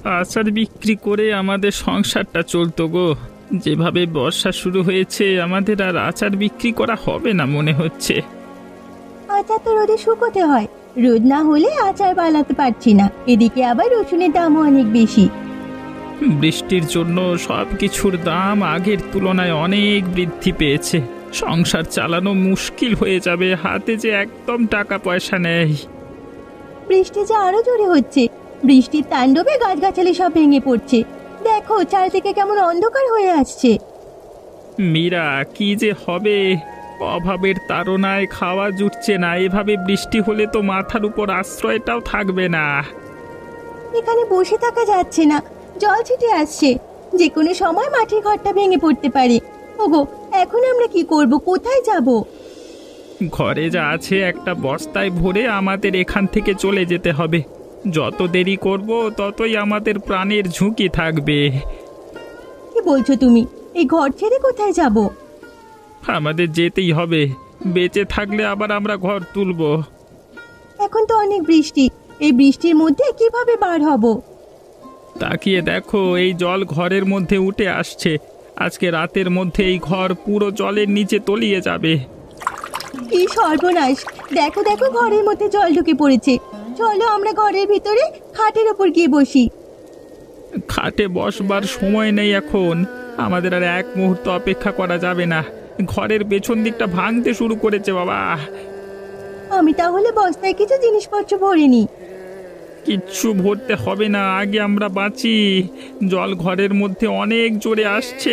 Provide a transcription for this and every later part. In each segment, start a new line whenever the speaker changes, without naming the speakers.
আচার বিক্রি করে আমাদের সংসারটা চলতো গো। যেভাবে বর্ষা শুরু হয়েছে আমাদের আর আচার বিক্রি করা হবে না মনে হচ্ছে।
আচার তো রোদে শুকোতে হয়, রোদ না হলে আচার বানাতে পারছি না। এদিকে আবার রসুনের দামও অনেক বেশি।
বৃষ্টির জন্য সব কিছুর দাম আগের তুলনায় অনেক বৃদ্ধি পেয়েছে। সংসার চালানো মুশকিল হয়ে যাবে, হাতে যে একদম টাকা পয়সা নেই।
বৃষ্টি যে আরো জোরে হচ্ছে, বৃষ্টির তাণ্ডবে গাছগাছালি সব ভেঙে পড়ছে। দেখো চারদিকে কেমন অন্ধকার হয়ে আসছে।
মীরা, কি যে হবে! অভাবের তাড়নায় খাওয়া জুটছে না। এভাবে বৃষ্টি হলে তো মাথার উপর আশ্রয়টাও থাকবে না।
এখানে বসে থাকা যাচ্ছে না, জল ছিটে আসছে। যে কোনো সময় মাটির ঘরটা ভেঙে পড়তে পারে। ওগো, এখন আমরা কি করব? কোথায় যাব?
ঘরে যা আছে একটা বস্তায় ভরে আমাদের এখান থেকে চলে যেতে হবে। যত দেরি করব ততই আমাদের প্রাণের ঝুঁকি থাকবে।
কি বলছো তুমি? এই ঘর ছেড়ে কোথায় যাব?
আমাদের যেতেই হবে। বেঁচে থাকলে আবার আমরা ঘর তুলব।
এখন তো অনেক বৃষ্টি, এই বৃষ্টির মধ্যে কিভাবে বার হব?
তাকিয়ে দেখো, এই জল ঘরের মধ্যে উঠে আসছে। আজকে রাতের মধ্যে এই ঘর পুরো জলের নিচে তলিয়ে যাবে।
কি সর্বনাশ! দেখো দেখো, ঘরের মধ্যে জল ঢুকে পড়েছে। চলো আমরা ঘরের ভিতরে খাটের ওপর গিয়ে বসি।
খাটে বসবার সময় নেই এখন। আমাদের আর এক মুহূর্ত অপেক্ষা করা যাবে না। ঘরের পেছন দিকটা ভাঙতে শুরু করেছে বাবা।
আমি তাহলে বস্তায় কিছু জিনিসপত্র ভরে নিই।
কিচ্ছু ভরতে হবে না, আগে আমরা বাঁচি। জল ঘরের মধ্যে অনেক জোরে আসছে।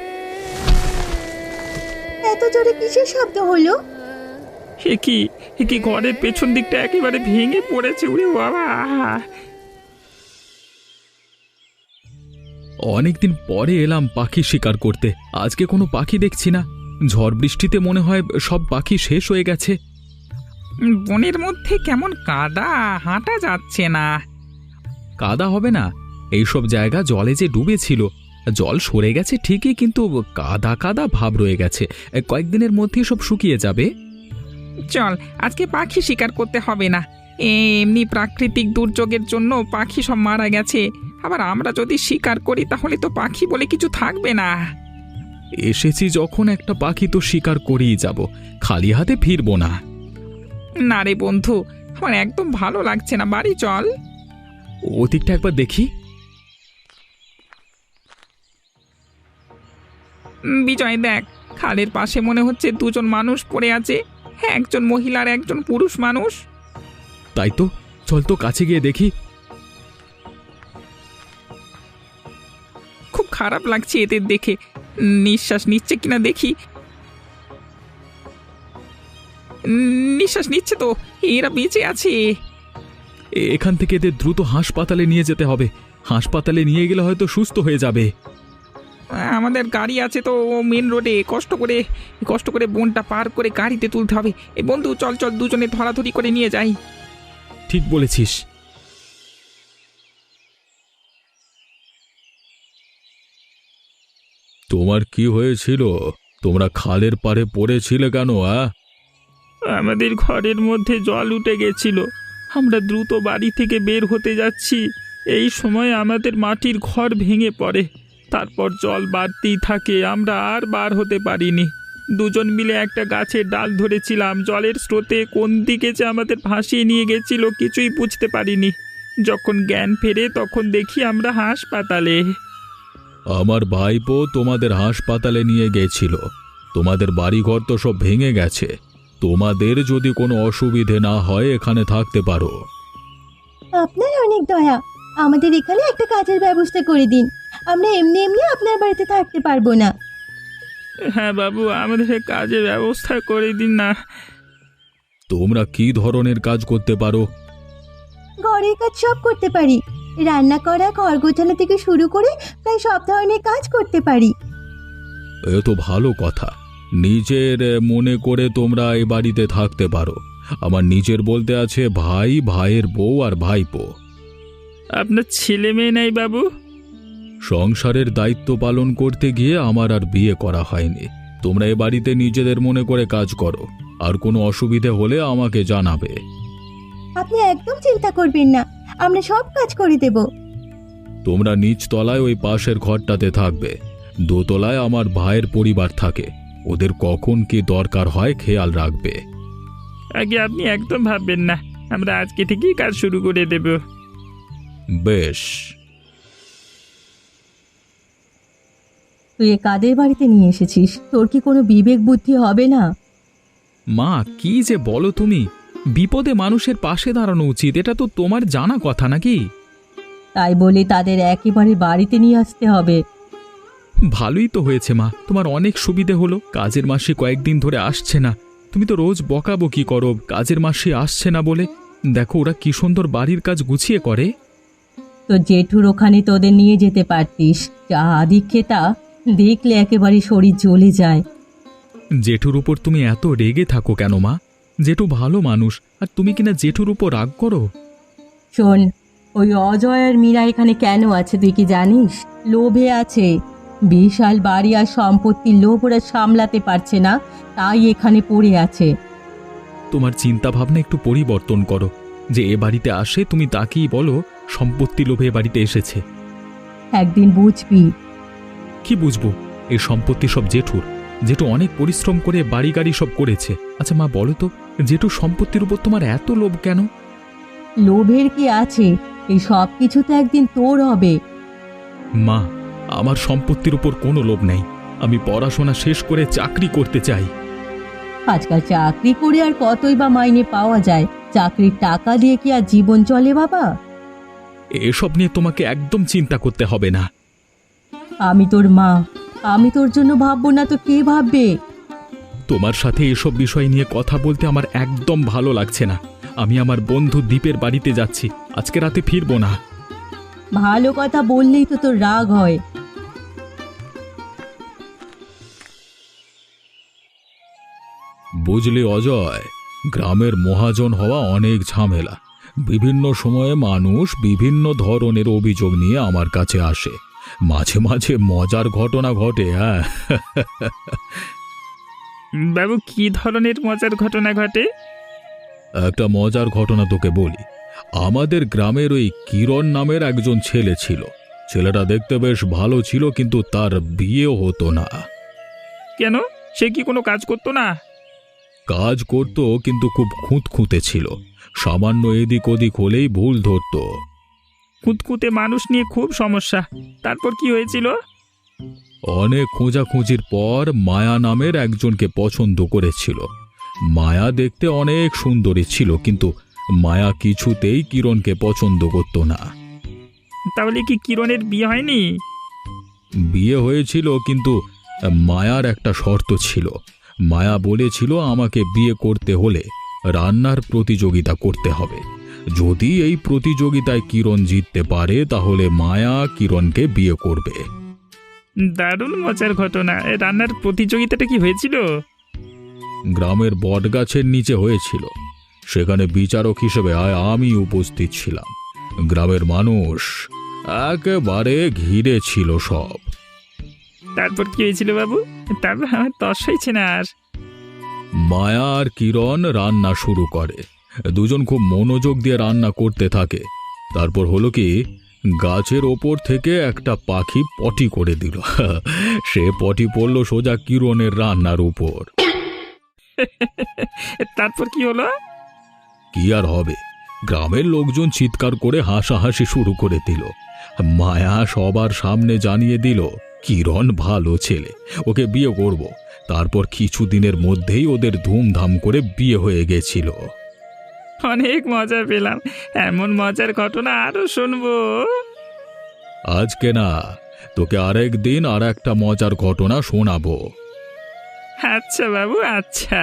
এত জোরে কিসের শব্দ হলো?
এ কি ঘরের পেছন দিকটা একেবারে ভেঙে পড়েছে, উড়ে বাবা।
অনেকদিন পরে এলাম পাখি শিকার করতে। আজকে কোনো পাখি দেখছি না। ঝড় বৃষ্টিতে মনে হয় সব পাখি শেষ হয়ে গেছে।
বনের মধ্যে কেমন কাদা, হাঁটা যাচ্ছে না।
কাদা হবে না? এইসব জায়গা জলে যে ডুবেছিল, জল সরে গেছে ঠিকই, কিন্তু কাদা কাদা ভাব রয়ে গেছে। কয়েকদিনের মধ্যেই সব শুকিয়ে যাবে।
চল, আজকে পাখি শিকার করতে হবে না। এমনি প্রাকৃতিক দুর্যোগের জন্য পাখি সব মারা গেছে। আবার আমরা যদি শিকার করি তাহলে তো পাখি বলে কিছু থাকবে না।
এসেছি যখন একটা পাখি তো শিকার করেই যাব, খালি হাতে ফিরবো না।
না রে বন্ধু, আমার একদম ভালো লাগছে না। বাড়ি চল।
ওদিকটা একবার দেখি।
বিজয় দেখ, খালের পাশে মনে হচ্ছে দুজন মানুষ পড়ে আছে। হ্যাঁ, একজন মহিলা আর একজন পুরুষ মানুষ।
তাই তো, চল তো কাছে গিয়ে দেখি।
খুব খারাপ লাগছে এদের দেখে। নিঃশ্বাস নিচ্ছে কিনা দেখি। নিঃশ্বাস নিচ্ছে তো, এরা বেঁচে আছে।
এখান থেকে এদের দ্রুত হাসপাতালে নিয়ে যেতে হবে। হাসপাতালে নিয়ে গেলে হয়তো সুস্থ হয়ে যাবে।
আমাদের গাড়ি আছে তো মেন রোডে। কষ্ট করে বনটা পার করে গাড়িতে তুলতে হবে। এই বন্ধু, চল চল, দুজনে ধরাধরি করে নিয়ে যাই।
ঠিক বলেছিস। তোমার কি হয়েছিল? তোমরা খালের পাড়ে পড়েছিলে কেন?
আমাদের ঘরের মধ্যে জল উঠে গেছিল। আমরা দ্রুত বাড়ি থেকে বের হতে যাচ্ছি, এই সময় আমাদের মাটির ঘর ভেঙে পড়ে। তারপর জল বাড়তেই থাকে, আমরা আর বার হতে পারিনি। দুজন মিলে একটা গাছের ডাল ধরেছিলাম। জলের স্রোতে কোন দিকে যে আমাদের ভাসিয়ে নিয়ে গেছিল কিছুই বুঝতে পারিনি। যখন জ্ঞান ফেরে তখন দেখি আমরা হাসপাতালে।
আমার ভাইপো তোমাদের হাসপাতালে নিয়ে গেছিল। তোমাদের বাড়িঘর তো সব ভেঙে গেছে। তোমাদের যদি কোনো অসুবিধে না হয় এখানে থাকতে পারো।
আপনার অনেক দয়া, আমাদের এখানে একটা কাজের ব্যবস্থা করে দিন। আমরা এমনি এমনি আপনার বাড়িতে থাকতে পারবো না।
হ্যাঁ বাবু, আমাদের কাজের ব্যবস্থা করে দিন না।
তোমরা কি ধরনের কাজ করতে পারো?
ঘরের কাজ সব করতে পারি। রান্না করা, ঘর গোছানো থেকে শুরু করে প্রায় সব ধরনের কাজ করতে পারি।
এ তো ভালো কথা। নিজের মনে করে তোমরা এই বাড়িতে থাকতে পারো। আমার নিজের বলতে আছে ভাই, ভাইয়ের বউ আর ভাইপো।
আপনার ছেলে মেয়ে নেই বাবু?
সংসারের দায়িত্ব পালন করতে গিয়ে আমার আর বিয়ে করা হয়নি। তোমরা এ বাড়িতে নিজেদের মনে করে কাজ করো, আর কোনো অসুবিধে হলে আমাকে জানাবে।
আপনি একদম চিন্তা করবেন না, আমরা সব কাজ করে দেব।
তোমরা নিচতলায় ওই পাশের ঘরটাতে থাকবে, দোতলায় আমার ভাইয়ের পরিবার থাকে, ওদের কখন কি দরকার হয় খেয়াল রাখবে।
আগে আপনি একদম ভাববেন না, আমরা আজকে থেকেই কাজ শুরু করে দেব।
বেশ।
তুই এ কাদের বাড়িতে নিয়ে এসেছিস? তোর কি কোনো বিবেক বুদ্ধি হবে না?
মা, কি যে বলো তুমি! বিপদে মানুষের পাশে দাঁড়ানো উচিত, এটা তো তোমার জানা কথা নাকি?
তাই বলে তাদের একেবারে বাড়িতে নিয়ে আসতে হবে?
ভালোই তো হয়েছে মা, তোমার অনেক সুবিধে হলো। কাজের মাসে কয়েকদিন ধরে আসছে না, তুমি তো রোজ বকাবকি করো কাজের মাসে আসছে না বলে। দেখো ওরা কি সুন্দর বাড়ির কাজ গুছিয়ে করে।
তো জেঠুর ওখানে তোদের নিয়ে যেতে পারতিস, যা আদিক্ষেতা, দেখলে একেবারে শরীর জ্বলে যায়।
জেঠুর উপর তুমি এত রেগে থাকো কেন মা? জেঠু ভালো মানুষ, আর তুমি কিনা জেঠুর উপর রাগ করো।
শোন, ওই অজয় আর মীরা এখানে কেন আছে তুই কি জানিস? লোভে আছে। বিশাল বাড়ি আর সম্পত্তির লোভ ওরা সামলাতে পারছে না, তাই এখানে পড়ে আছে।
তোমার চিন্তা ভাবনা একটু পরিবর্তন করো। যে এ বাড়িতে আসে তুমি তাকেই বলো সম্পত্তি লোভে এ বাড়িতে এসেছে।
একদিন বুঝবি।
কি বুঝবো? এই সম্পত্তি সব জেঠুর। জেঠু অনেক পরিশ্রম করে বাড়ি গাড়ি সব করেছে। আচ্ছা মা বলো তো, জেঠু সম্পত্তির উপর তোমার এত লোভ কেন?
লোভের কি আছে? এই সব কিছু তো একদিন তোর হবে।
মা, আমার সম্পত্তির উপর কোনো লোভ নেই। আমি পড়াশোনা শেষ করে চাকরি করতে চাই।
আজকাল চাকরি করে আর কতই বা মাইনে পাওয়া যায়? চাকরির টাকা দিয়ে কি আর জীবন চলে বাবা?
এসব নিয়ে তোমাকে একদম চিন্তা করতে হবে না।
আমি তোর মা, আমি তোর জন্য ভাববো না তো কে ভাববে?
তোমার সাথে এসব বিষয় নিয়ে কথা বলতে আমার একদম ভালো লাগছে না। আমি আমার বন্ধু দীপের বাড়িতে যাচ্ছি, আজকে রাতে ফিরবো না।
ভালো কথা বললেই তো তোর রাগ হয়।
বুঝলি অজয়, গ্রামের মহাজন হওয়া অনেক ঝামেলা। বিভিন্ন সময়ে মানুষ বিভিন্ন ধরনের অভিযোগ নিয়ে আমার কাছে আসে। মাঝে মাঝে মজার ঘটনা ঘটে। হ্যাঁ,
বাবু, কি ধরনের মজার ঘটনা ঘটে?
একটা মজার ঘটনা তোকে বলি। আমাদের গ্রামের ওই কিরণ নামের একজন ছেলে ছিল। ছেলেটা দেখতে বেশ ভালো ছিল, কিন্তু তার বিয়ে হতো না।
কেন? সে কি কোনো কাজ করতো না?
কাজ করত, কিন্তু খুব খুঁতখুঁতে ছিল। সামান্য এদিক ওদিক হলেই ভুল ধরতো।
কুতকুতে মানুষ নিয়ে খুব সমস্যা। তারপর কি হয়েছিল?
অনেক খোঁজাখুঁজির পর মায়া নামের একজনকে পছন্দ করেছিল। মায়া দেখতে অনেক সুন্দরী ছিল, কিন্তু মায়া কিছুতেই কিরণকে পছন্দ করত না।
তাহলে কি কিরণের বিয়ে হয়নি?
বিয়ে হয়েছিল, কিন্তু মায়ার একটা শর্ত ছিল। মায়া বলেছিল আমাকে বিয়ে করতে হলে রান্নার প্রতিযোগিতা করতে হবে। যদি এই প্রতিযোগিতায় কিরণ জিততে পারে তাহলে মায়া কিরণকে বিয়ে করবে।
দারুণ মজার ঘটনা। রান্নার প্রতিযোগিতাটা কি হয়েছিল?
গ্রামের বটগাছের নিচে হয়েছিল। সেখানে বিচারক হিসেবে আমি উপস্থিত ছিলাম। গ্রামের মানুষ একেবারে ঘিরে ছিল সব।
তারপর কি হয়েছিল বাবু? তারপর আমার তস হয়েছে না আর।
মায়া আর কিরণ রান্না শুরু করে। দুজন খুব মনোযোগ দিয়ে রান্না করতে থাকে। তারপর হলো কি, গাছের ওপর থেকে একটা পাখি পটি করে দিল। সে পটি পড়ল সোজা কিরণের রান্নার উপর।
তারপর কি হলো?
কি আর হবে, গ্রামের লোকজন চিৎকার করে হাসাহাসি শুরু করে দিল। মায়া সবার সামনে জানিয়ে দিল কিরণ ভালো ছেলে, ওকে বিয়ে করব। তারপর কিছুদিনের মধ্যেই ওদের ধুমধাম করে বিয়ে হয়ে গেছিল।
অনেক মজা পেলাম। এমন মজার ঘটনা আরো শুনবো।
আজকে না, তোকে আরেক দিন আর একটা মজার ঘটনা শোনাবো।
আচ্ছা বাবু, আচ্ছা।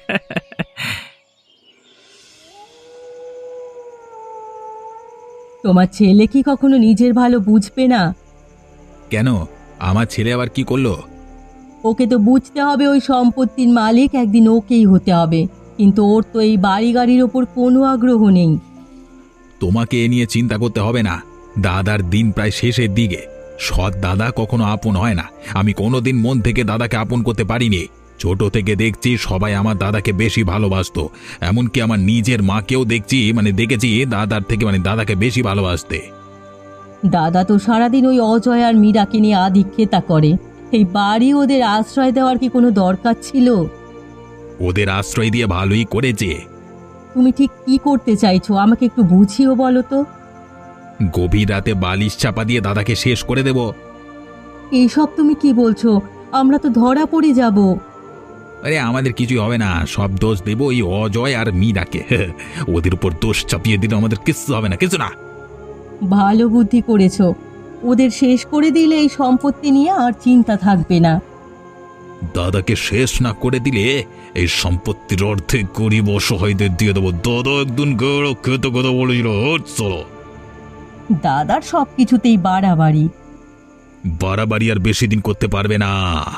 তোমার ছেলে কি কখনো নিজের ভালো বুঝবে না?
কেন, আমার ছেলে আবার কি করলো?
ওকে তো বুঝতে হবে ওই সম্পত্তির মালিক একদিন ওকেই হতে হবে, কিন্তু ওর তো এই বাড়ি গাড়ির ওপর কোনো আগ্রহ নেই।
তোমাকে এ নিয়ে চিন্তা করতে হবে না। দাদার দিন প্রায় শেষের দিকে। সৎ দাদা কখনো আপন হয় না। আমি কোনোদিন মন থেকে দাদাকে আপন করতে পারিনি। ছোট থেকে দেখছি সবাই আমার দাদাকে বেশি ভালোবাসতো। এমনকি আমার নিজের মাকেও দেখেছি দাদার থেকে দাদাকে বেশি ভালোবাসতে।
দাদা তো সারাদিন ওই অজয় আর মীরাকে নিয়ে আধিক্যতা করে। এই বাড়ি ওদের আশ্রয় দেওয়ার কি কোনো দরকার ছিল?
ওদের আশ্রয় দিয়ে ভালোই করেছে।
তুমি ঠিক কি করতে চাইছো আমাকে একটু বুঝিও বলো তো।
গভীর রাতে বালিশ চাপা দিয়ে দাদাকে শেষ করে দেব।
এইসব তুমি কি বলছো? আমরা তো ধরা পড়ে যাব।
আরে আমাদের কিছুই হবে না, সব দোষ দেব ওই অজয় আর মীরাকে। ওদের উপর দোষ চাপিয়ে দিলে আমাদের কিচ্ছু হবে না, কিছু না।
ভালো বুদ্ধি করেছো। ওদের শেষ করে দিলে এই সম্পত্তি নিয়ে আর চিন্তা থাকবে না।
দাদাকে শেষ না করে দিলে এই সম্পত্তির অর্ধেক গরিব অসহায়দের দিয়ে দেবো। দাদা একদিন খেতে কথা বলেছিল। চলো।
দাদার সব কিছুতেই বাড়াবাড়ি।
বাড়াবাড়ি আর বেশি দিন করতে পারবে না।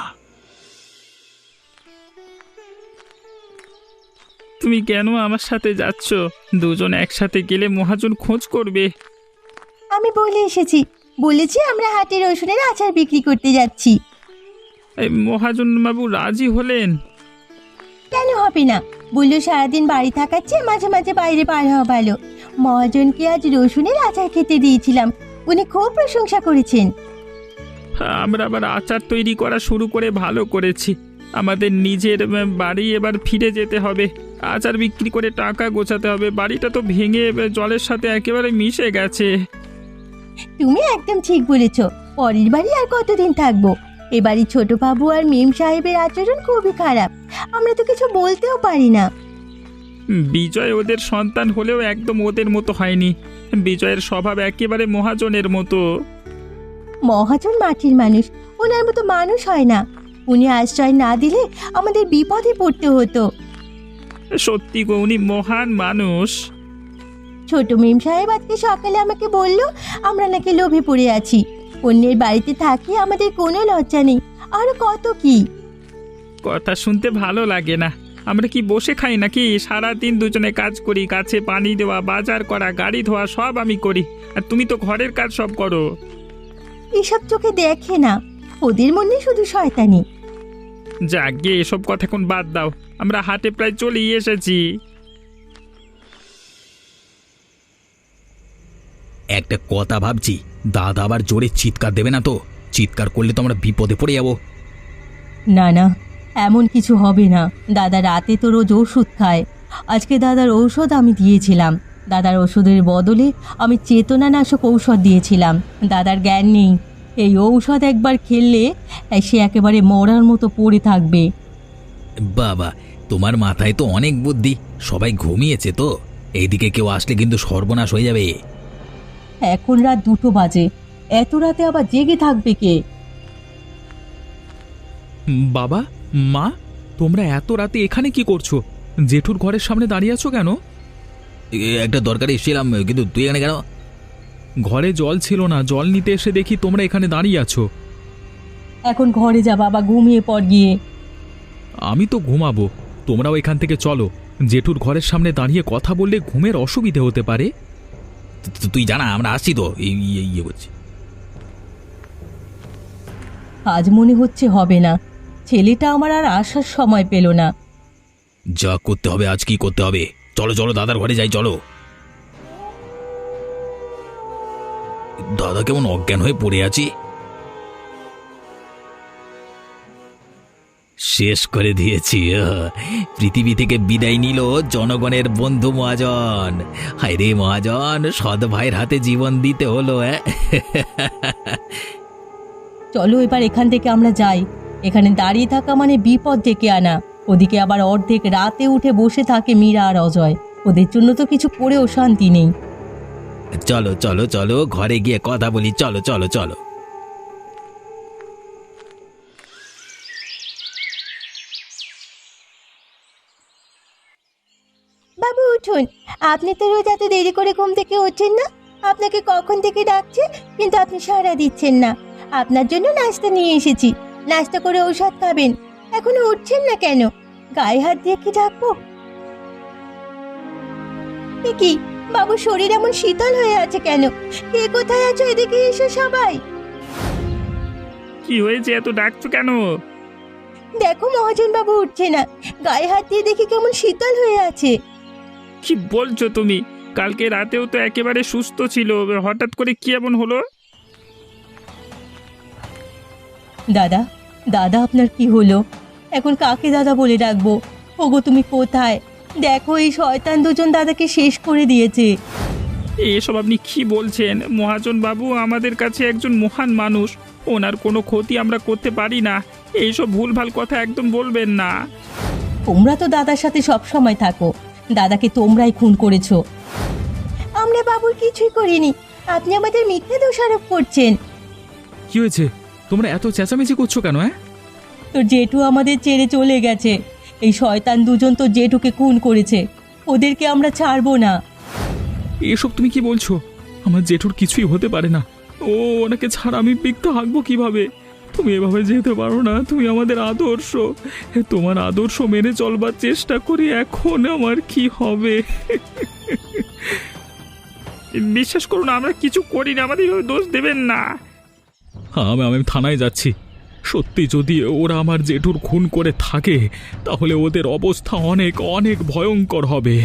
তুমি কেন আমার সাথে যাচ্ছ? দুজন একসাথে গেলে মহাজন খোঁজ করবে।
আমি বলে এসেছি, বলেছি আমরা হাটে রসুনের আচার বিক্রি করতে যাচ্ছি।
এই মহাজন বাবু রাজি হলেন?
কেন হবে না? বললো সারাদিন বাড়ি থাকার চেয়ে মাঝে মাঝে বাইরে বার হওয়া ভালো। মহাজনকে আজ রসুনের আচার খেতে দিয়েছিলাম, উনি খুব প্রশংসা করেছেন।
আমরা আবার আচার তৈরি করা শুরু করে ভালো করেছি। আমাদের নিজের বাড়ি এবার ফিরে যেতে হবে। আচার বিক্রি করে টাকা গোছাতে হবে। বাড়িটা তো ভেঙে জলের সাথে একেবারে মিশে গেছে।
তুমি একদম ঠিক বলেছ। পরের বাড়ি আর কতদিন থাকবো? এবারই ছোট বাবু আর মেম সাহেবের আচরণ খুবই খারাপ, আমরা তো কিছু বলতেও পারি না।
বিজয় ওদের সন্তান হলেও একদম ওদের মতো হয়নি। বিজয়ের স্বভাব একেবারে মহাজনের মতো।
মহাজন মাটির মানুষ, ওনার মতো মানুষ হয় না। উনি আশ্রয় না দিলে আমাদের বিপদে পড়তে হতো।
সত্যি গো, উনি মহান মানুষ।
ছোট মেম সাহেব আজকে সকালে আমাকে বলল আমরা নাকি লোভে পড়ে আছি, অন্যের বাড়িতে থাকি, আমাদের কোনো লজ্জা নেই, আরো কত কি।
কথা শুনতে ভালো লাগে না। আমরা কি বসে খাই নাকি? সারাদিন দুজনে কাজ করি, গাছে পানি দেওয়া, বাজার করা, গাড়ি ধোয়া সব আমি করি, আর তুমি তো ঘরের কাজ সব করো।
এসব চোখে দেখে না, ওদের মনে শুধু শয়তানি।
যাক গিয়ে এসব কথা এখন বাদ দাও, আমরা হাটে প্রায় চলেই এসেছি।
একটা কথা ভাবছি, দাদা আবার জোরে চিৎকার দেবে না তো? চিৎকার করলে তো আমরা বিপদে পড়ে যাব।
না না, এমন কিছু হবে না। দাদা রাতে তো রোজ ওষুধ খায়। আজকে দাদার ঔষধ আমি দিয়েছিলাম। দাদার ওষুধের বদলে আমি চেতনানাশক ঔষধ দিয়েছিলাম। দাদার জ্ঞান নেই। এই ঔষধ একবার খেললে সে একেবারে মরার মতো পড়ে থাকবে।
বাবা, তোমার মাথায় তো অনেক বুদ্ধি। সবাই ঘুমিয়েছে তো, এইদিকে কেউ আসলে কিন্তু সর্বনাশ হয়ে যাবে।
এখন রাত 2টো বাজে, এত রাতে আবার জেগে থাকবে কে?
বাবা, মা, তোমরা এত রাতে এখানে কি করছো? জেঠুর ঘরের সামনে দাঁড়িয়ে আছো কেন?
একটা দরকারে এসেছিলাম, কিন্তু তুই এখানে কেন?
ঘরে জল ছিল না, জল নিতে এসে দেখি তোমরা এখানে দাঁড়িয়ে আছো।
এখন ঘরে যা বাবা, ঘুমিয়ে পড় গিয়ে।
আমি তো ঘুমাবো, তোমরাও এখান থেকে চলো। জেঠুর ঘরের সামনে দাঁড়িয়ে কথা বললে ঘুমের অসুবিধে হতে পারে।
তুই জানা আমরা আসছি তো, ইয়ে করছি।
আজ মনে হচ্ছে হবে না। ছেলেটা আমার আর আসার সময় পেল না।
যা করতে হবে আজ কি করতে হবে। চলো চলো, দাদার ঘরে যাই, চলো। দাদা কেমন অজ্ঞান হয়ে পড়ে আছি। শেষ করে দিয়েছি। পৃথিবী থেকে বিদায় নিল জনগণের বন্ধু মহাজন। হায় রে মহাজন, সৎ ভাইয়ের হাতে জীবন দিতে হলো।
চলো এবার এখান থেকে আমরা যাই। এখানে দাঁড়িয়ে থাকা মানে বিপদ ডেকে আনা। ওদিকে আবার অর্ধেক রাতে উঠে বসে থাকে মীরা আর অজয়। ওদের জন্য তো কিছু করেও শান্তি নেই।
চলো চলো চলো, ঘরে গিয়ে কথা বলি। চলো চলো চলো।
বাবু উঠুন, আপনি তো রোজ এত দেরি করে ঘুম থেকে ওঠেন না। আপনাকে কখন থেকে ডাকছে, কিন্তু আপনি সাড়া দিচ্ছেন না। আপনার জন্য নাস্তা নিয়ে এসেছি, নাস্তা করে ঔষধ খাবেন। এখনো উঠছেন না কেন? গায়ে হাত দিয়ে কি ডাকবো? কি বাবু, শরীর এমন শীতল হয়ে আছে কেন? কে কোথায় আছো? এদিকে এসো সবাই।
কি হয়েছে, এত ডাকছো কেন?
দেখো মহাজন বাবু উঠছে না, গায়ে হাত দিয়ে দেখি কেমন শীতল হয়ে আছে।
কি বলছো তুমি? কালকে রাতেও তো একেবারে সুস্থ ছিল, হঠাৎ করে কি এমন হলো?
দাদা, দাদা আপনার কি হলো? এখন কাকে দাদা বলে ডাকবো? ওগো তুমি কোথায়? দেখো এই শয়তান দুজন দাদাকে শেষ করে দিয়েছে।
এসব আপনি কি বলছেন মহাজন বাবু? আমাদের কাছে একজন মহান মানুষ, ওনার কোনো ক্ষতি আমরা করতে পারি না। এইসব ভুলভাল কথা একদম বলবেন না।
তোমরা তো দাদার সাথে সব সময় থাকো, দাদাকে তোমরাই খুন করেছো। আমরা বাবুর কিছুই করিনি, আপনি আমাদের মিথ্যে দোষারোপ করছেন।
কি হয়েছে? তোমরা এত চেঁচামেচি করছো কেন?
তোর জেঠু আমাদের ছেড়ে চলে গেছে। এই শয়তান দুজন তো জেঠুকে খুন করেছে, ওদেরকে আমরা ছাড়বো না।
এসব তুমি কি বলছো? আমার জেঠুর কিছুই হতে পারে না। ও ওনাকে ছাড়া আমি বিকতে হাঁকবো কিভাবে? তুমি এভাবে যেতে পারো না, তুমি আমাদের আদর্শ। তোমার আদর্শ মেনে চলবার চেষ্টা করি, এখন আমার কি হবে?
বিশ্বাস করুন আমরা কিছু করি না, আমাদের এভাবে দোষ দেবেন না।
আমি থানায় যাচ্ছি। সত্যি যদি ওরা আমার জেঠুর খুন করে থাকে তাহলে ওদের অবস্থা অনেক অনেক ভয়ঙ্কর হবে।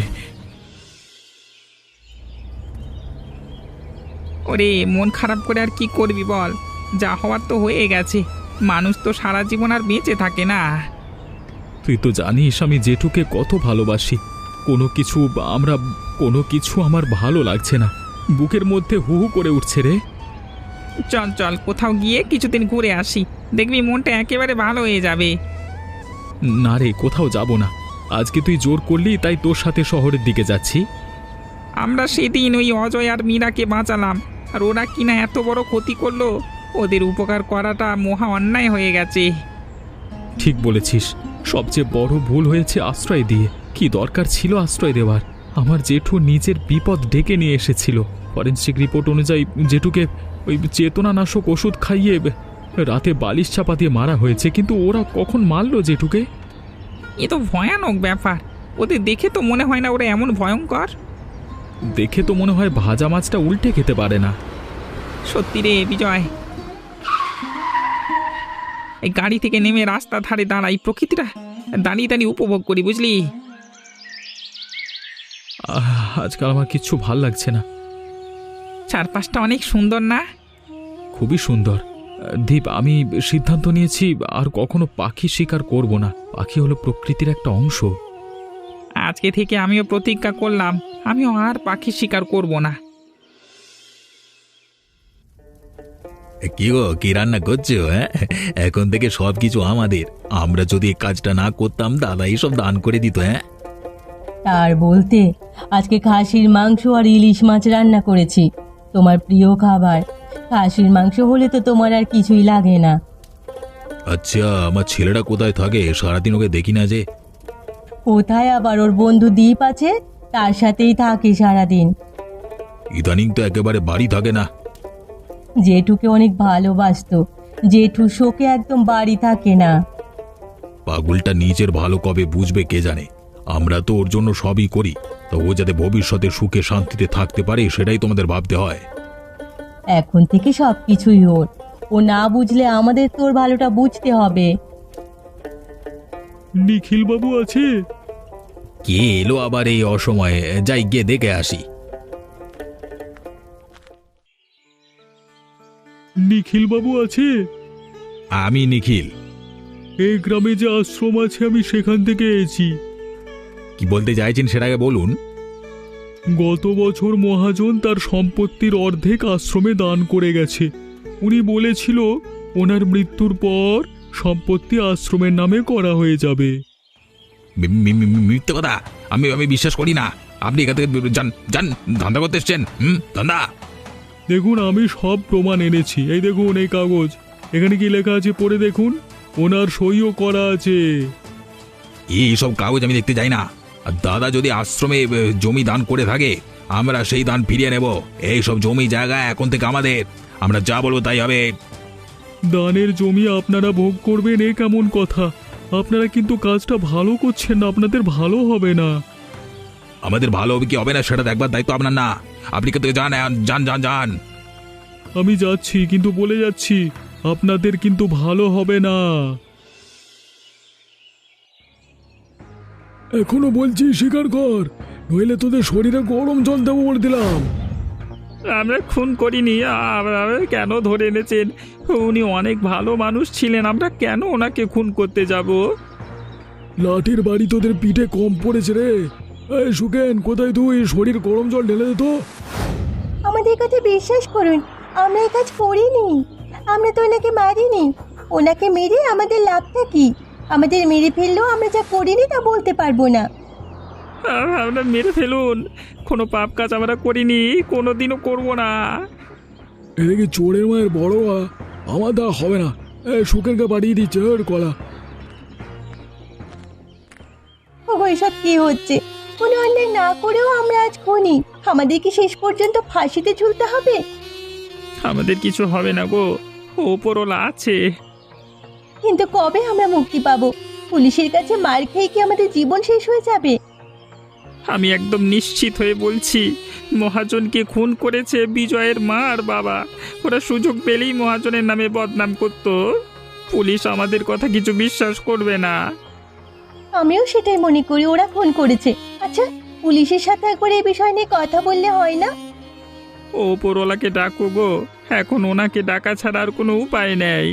ওরে মন খারাপ করে আর কি করবি বল, যা হওয়ার তো হয়ে গেছে। মানুষ তো সারা জীবন আর বেঁচে থাকে না।
তুই তো জানিস আমি জেঠুকে কত ভালোবাসি। কোনো কিছু আমার ভালো লাগছে না, বুকের মধ্যে হু হু করে উঠছে রে।
চল চল কোথাও গিয়ে কিছুদিন ঘুরে আসি, দেখবি মনটা একেবারে ভালো হয়ে যাবে।
না রে, কোথাও যাব না। আজকে তুই জোর করলি তাই তোর সাথে শহরের দিকে যাচ্ছি।
আমরা সেদিন ওই অজয় আর মীরাকে বাঁচালাম, আর ওরা কিনা এত বড় ক্ষতি করলো। ওদের উপকার করাটা মহা অন্যায় হয়ে গেছে।
ঠিক বলেছিস, সবচেয়ে বড় ভুল হয়েছে আশ্রয় দিয়ে। কি দরকার ছিল আশ্রয় দেওয়ার? আমার জেঠু নিজের বিপদ ডেকে নিয়ে এসেছিল। ফরেনসিক রিপোর্ট অনুযায়ী জেঠুকে ওই চেতনানাশক ওষুধ খাইয়ে রাতে বালিশ চাপা দিয়ে মারা হয়েছে, কিন্তু ওরা কখন মারলো জেঠুকে?
এ তো ভয়ানক ব্যাপার। ওদের দেখে তো মনে হয় না ওরা এমন ভয়ঙ্কর।
দেখে তো মনে হয় ভাজা মাছটা উল্টে খেতে পারে না।
সত্যি রে বিজয়, এই গাড়ি থেকে নেমে রাস্তা ধারে দাঁড়াই, প্রকৃতিটা দাঁড়িয়ে দাঁড়িয়ে উপভোগ করি, বুঝলি?
আজকাল আমার কিচ্ছু ভাল লাগছে না।
চারপাশটা অনেক সুন্দর না?
খুবই সুন্দর। দীপ, আমি সিদ্ধান্ত নিয়েছি আর কখনো পাখি শিকার করব না। পাখি হলো প্রকৃতির একটা অংশ।
আজকে থেকে আমিও প্রতিজ্ঞা করলাম, আমিও আর পাখি শিকার করব না।
কি গো, কি রান্না করছো? হ্যাঁ, এখন থেকে সবকিছু আমাদের। আমরা যদি এই কাজটা না করতাম দাদা এসব দান করে দিত। হ্যাঁ,
তার বলতে আজকে খাসির মাংস আর ইলিশ মাছ রান্না করেছি, তোমার প্রিয় খাবার। খাসির মাংস হলে তো তোমার আর কিছুই লাগে না।
আচ্ছা, আমার ছেলেটা কোথায় থাকে? সারাদিন ওকে দেখি না যে।
কোথায় আবার, ওর বন্ধু দ্বীপ আছে, তার সাথেই থাকে সারাদিন।
ইদানিং তো একেবারে বাড়ি থাকে না।
জেঠুকে অনেক ভালোবাসতো, জেঠু শোকে একদম বাড়ি থাকে না।
পাগলটা নিজের ভালো কবে বুঝবে কে জানে। আমরা তো ওর জন্য সবই করি, তো ও যাতে ভবিষ্যতে সুখে শান্তিতে থাকতে পারে সেটাই তোমাদের ভাবতে হয়।
এখন থেকে সব কিছুই ওর, ও না বুঝলে আমাদের তোর ভালোটা বুঝতে হবে।
নিখিল বাবু আছে?
কে এলো আবার এই অসময়ে? যাই গিয়ে দেখে আসি।
নিখিল বাবু আছে?
আমি নিখিল।
এই গ্রামে যে আশ্রম আছে আমি সেখান থেকে এসেছি।
কি বলতে চাইছেন সেটাকে বলুন।
গত বছর মহাজন তার সম্পত্তির অর্ধেক আশ্রমে দান করে গেছে। উনি বলেছিল ওনার মৃত্যুর পর সম্পত্তি আশ্রমের নামে করা হয়ে যাবে।
মিথ্যে কথা, আমি বিশ্বাস করি না। আপনি এখান থেকে যান যান, ধান্দা করতে এসছেন। ধান্দা।
দেখুন, আমি সব প্রমাণ এনেছি। এই দেখুন এই কাগজ, এখানে কি লেখা আছে পড়ে দেখুন, ওনার সইও করা আছে।
এইসব কাগজ আমি দেখতে চাই না। আর দাদা যদি আশ্রমে জমি দান করে থাকে আমরা সেই দান ফিরিয়ে নেব। এইসব জমি জায়গা এখন থেকে আমাদের, আমরা যা বলবো তাই হবে।
দানের জমি আপনারা ভোগ করবেন এ কেমন কথা? আপনারা কিন্তু কাজটা ভালো করছেন না, আপনাদের ভালো হবে না।
আমাদের ভালো হবে কি হবে না সেটা দেখবার দায়িত্ব আপনার না। আপনি কোথা থেকে যান, যান যান যান।
আমি যাচ্ছি, কিন্তু বলে যাচ্ছি আপনাদের কিন্তু ভালো হবে না। এখনো বলছি স্বীকার কর, নইলে তোদের শরীরে গরম জল দেবো বলে দিলাম।
আমরা খুন করিনি। কেন ধরে এনেছেন? উনি অনেক ভালো মানুষ ছিলেন, আমরা কেন ওনাকে খুন করতে যাব?
লাঠির বাড়ি তোদের পিঠে কম পড়েছে রে। এই সুকেন, কোথায় তুই? শরীর গরম জল ঢেলে দে তো।
আমাদের কথা বিশ্বাস করুন, আমরা এই কাজ করিনি। আমরা তো ওনাকে মারিনি। ওনাকে মেরে আমাদের লাভটা কি? আমাদের মেরে ফেললেও আমরা যা করিনি তা বলতে পারবো না।
আমরা মেরে ফেলুন, কোনো পাপ কাজ আমরা করিনি, কোনোদিনও করব না।
এদিকে চোরের মায়ের বড় আমার দ্বারা হবে না। সুকেনকে পাঠিয়ে দিচ্ছে ওর কলা।
ওগো, এসব কি হচ্ছে? কোনো অন্যায় না করেও আমরা আজ খুনি। আমাদের কি শেষ পর্যন্ত ফাঁসিতে ঝুলতে হবে?
আমাদের কিছু হবে না গো, ওপরওয়ালা আছে।
কিন্তু কবে আমরা মুক্তি পাবো? পুলিশের কাছে মার খেয়ে কি আমাদের জীবন শেষ হয়ে যাবে?
আমি একদম নিশ্চিত হয়ে বলছি, মহাজনকে খুন করেছে বিজয়ের মা আর বাবা। ওরা সুযোগ পেলেই মহাজনের নামে বদনাম করত। পুলিশ আমাদের কথা কিছু বিশ্বাস করবে না।
আমিও সেটাই মনে করি, ওরা খুন করেছে। আচ্ছা, পুলিশের সাথে একবার এই বিষয় নিয়ে কথা বললে হয় না?
ওপরওয়ালাকে ডাকো গো, এখন ওনাকে ডাকা ছাড়া আর কোনো উপায় নেই।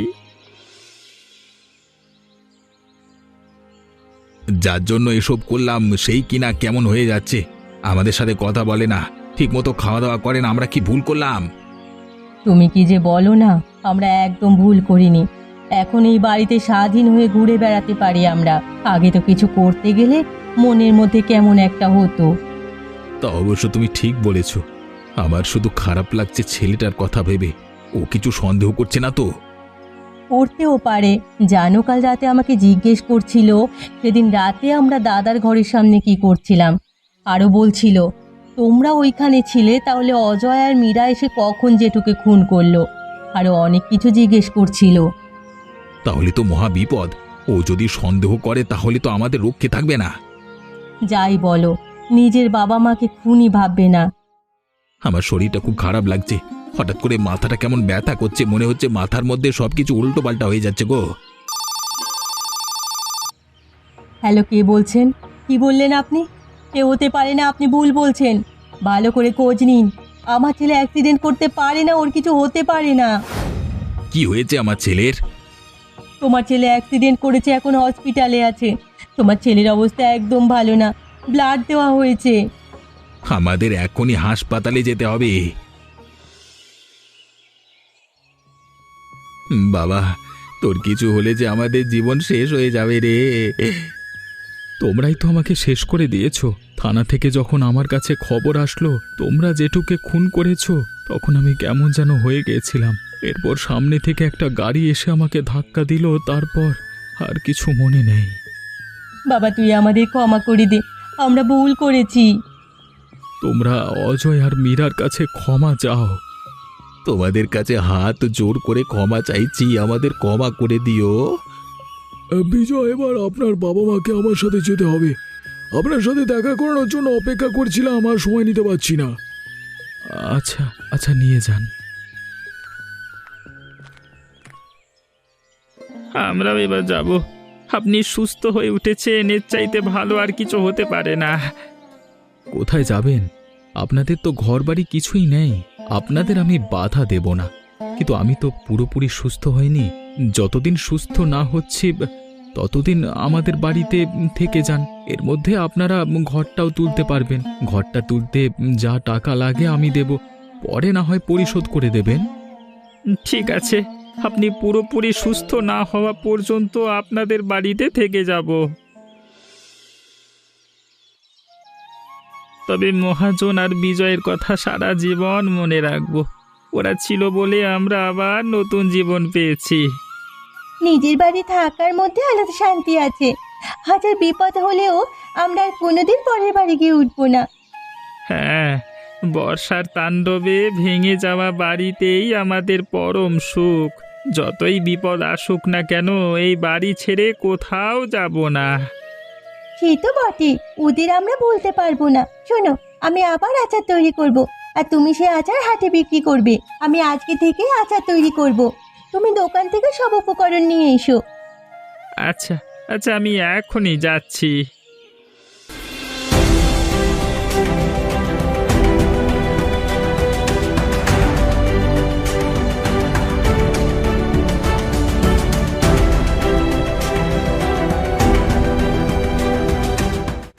যার জন্য এসব করলাম সেই কিনা কেমন হয়ে যাচ্ছে, আমাদের সাথে কথা বলে না, ঠিক মতো খাওয়া দাওয়া করে না। আমরা কি ভুল করলাম?
তুমি কি যে বলো না, আমরা একদম ভুল করিনি। এখন এই বাড়িতে স্বাধীন হয়ে ঘুরে বেড়াতে পারি আমরা। আগে তো কিছু করতে গেলে মনের মধ্যে কেমন একটা হতো।
তা অবশ্য তুমি ঠিক বলেছ। আমার শুধু খারাপ লাগছে ছেলেটার কথা ভেবে। ও কিছু সন্দেহ করছে না তো?
করতেও পারে। জানো, কাল রাতে আমাকে জিজ্ঞেস করছিল সেদিন রাতে আমরা দাদার ঘরের সামনে কি করছিলাম। আরও বলছিল, তোমরা ওইখানে ছিলে, তাহলে অজয় আর মীরা এসে কখন জেঠুকে খুন করলো। আরও অনেক কিছু জিজ্ঞেস করছিল।
তাহলে তো মহা বিপদ। ও যদি সন্দেহ করে তাহলে তো আমাদের রক্ষে থাকবে না।
যাই বলো, নিজের বাবা মাকে খুনই ভাববে না।
আমার শরীরটা খুব খারাপ লাগছে। হঠাৎ করে মাথাটা কেমন ব্যথা করছে, মনে হচ্ছে মাথার মধ্যে সবকিছু উল্টো পাল্টা হয়ে যাচ্ছে গো।
হ্যালো, কে বলছেন? কি বললেন আপনি? কে হতে পারে না, আপনি ভুল বলছেন। ভালো করে খোঁজ নিন। আমার ছেলে অ্যাক্সিডেন্ট করতে পারে না, ওর কিছু হতে পারে না।
কি হয়েছে আমার ছেলের?
তোমার ছেলে অ্যাক্সিডেন্ট করেছে, এখন হসপিটালে আছে। তোমার ছেলের অবস্থা একদম ভালো না, ব্লাড দেওয়া হয়েছে।
আমাদের এখনই হাসপাতালে যেতে হবে। বাবা, তোর কিছু হলে যে আমাদের জীবন শেষ হয়ে যাবে রে।
তোমরাই তো আমাকে শেষ করে দিয়েছো। থানা থেকে যখন আমার কাছে খবর আসলো তোমরা জেঠুকে খুন করেছো, তখন আমি কেমন যেন হয়ে গিয়েছিলাম। এরপর সামনে থেকে একটা গাড়ি এসে আমাকে ধাক্কা দিল, তারপর আর কিছু মনে নেই।
বাবা, তুই আমাদের ক্ষমা করে দে, আমরা ভুল করেছি।
তোমরা অজয় আর মীরার কাছে ক্ষমা চাও।
তোমাদের কাছে হাত জোর করে ক্ষমা চাইছি, আমাদের ক্ষমা করে দিও। বিজয়, এবার আপনার বাবা মাকে আমার সাথে যেতে হবে। আপনার সাথে দেখা করানোর জন্য অপেক্ষা করছিলাম, আর সময় নিতে পারছি না।
আচ্ছা আচ্ছা, নিয়ে যান।
আমরাও এবার যাব। আপনি সুস্থ হয়ে উঠেছেন, এর চাইতে ভালো আর কিছু হতে পারে না।
কোথায় যাবেন? আপনাদের তো ঘরবাড়ি কিছুই নেই। আপনাদের আমি বাধা দেব না, কিন্তু আমি তো পুরোপুরি সুস্থ হইনি। যতদিন সুস্থ না হচ্ছি ততদিন আমাদের বাড়িতে থেকে যান। এর মধ্যে আপনারা ঘরটাও তুলতে পারবেন। ঘরটা তুলতে যা টাকা লাগে আমি দেব, পরে না হয় পরিশোধ করে দেবেন।
ঠিক আছে, আপনি পুরোপুরি সুস্থ না হওয়া পর্যন্ত আপনাদের বাড়িতে থেকে যাব। তবে মহাজন আর বিজয়ের কথা সারা জীবন মনে রাখবো। ওরা ছিল বলে আমরা আবার নতুন জীবন পেয়েছি।
নিজের বাড়ি থাকার মধ্যে আলাদা শান্তি আছে। হাজার বিপদ হলেও আমরা আর কোনোদিন পরের বাড়ি গিয়ে উঠবো না।
হ্যাঁ, বর্ষার তাণ্ডবে ভেঙে যাওয়া বাড়িতেই আমাদের পরম সুখ। যতই বিপদ আসুক না কেন, এই বাড়ি ছেড়ে কোথাও যাব না।
সে তো বটে, ওদের আমরা বলতে পারবো না। শোনো, আমি আবার আচার তৈরি করব, আর তুমি সে আচার হাটে বিক্রি করবে। আমি আজকে থেকে আচার তৈরি করব, তুমি দোকান থেকে সব উপকরণ নিয়ে এসো।
আচ্ছা আচ্ছা, আমি এখনই যাচ্ছি।